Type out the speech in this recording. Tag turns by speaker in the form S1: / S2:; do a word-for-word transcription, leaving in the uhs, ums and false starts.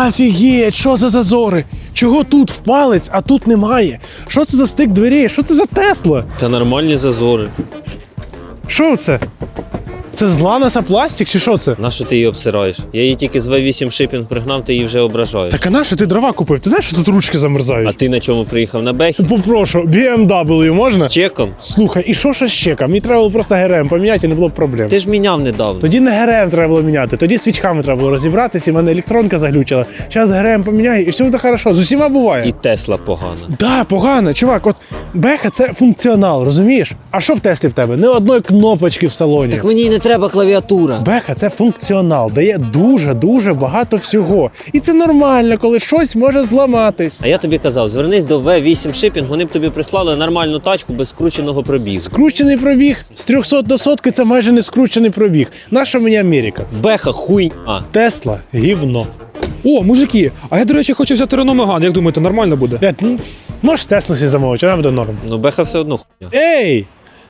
S1: Офігеть, що за зазори? Чого тут в палець, а тут немає? Що це за стик дверей? Що це за Тесла?
S2: Та нормальні зазори.
S1: Що це? Це з Ланаса пластик чи що це?
S2: Нащо ти її обсираєш? Я її тільки з ве вісім шипінг пригнав, ти її вже ображаєш.
S1: Так а на що ти дрова купив? Ти знаєш, що тут ручки замерзають?
S2: А ти на чому приїхав? На Бехі?
S1: Попрошу, бі ем дабл ю можна?
S2: З чеком?
S1: Слухай, і що ще з чеком? Мені треба було просто ГРМ поміняти і не було б проблем.
S2: Ти ж міняв недавно.
S1: Тоді не ГРМ треба було міняти, тоді свічками треба було розібратися, і в мене електронка заглючила. Зараз ГРМ поміняю, і все буде хорошо. З усіма буває.
S2: І Тесла погана.
S1: Да, погано, чувак, от Беха це функціонал, розумієш? А що в Теслі в тебе? Не одної кнопочки в салоні.
S2: Так мені й не треба клавіатура.
S1: Беха це функціонал, дає дуже-дуже багато всього. І це нормально, коли щось може зламатись.
S2: А я тобі казав, звернись до ве вісім шипінг, вони б тобі прислали нормальну тачку без скрученого пробігу.
S1: Скручений пробіг з трьохсот до сотки це майже не скручений пробіг. Наша мені Америка?
S2: Беха хуйня.
S1: Тесла гівно.
S3: О, мужики, а я, до речі, хочу взяти Renault Megane. Як думаєте, нормально буде?
S1: Блядь, ну, можеш Теслу собі замовити, вона буде норм.
S2: Ну Беха все одно хуйня.
S1: Ей!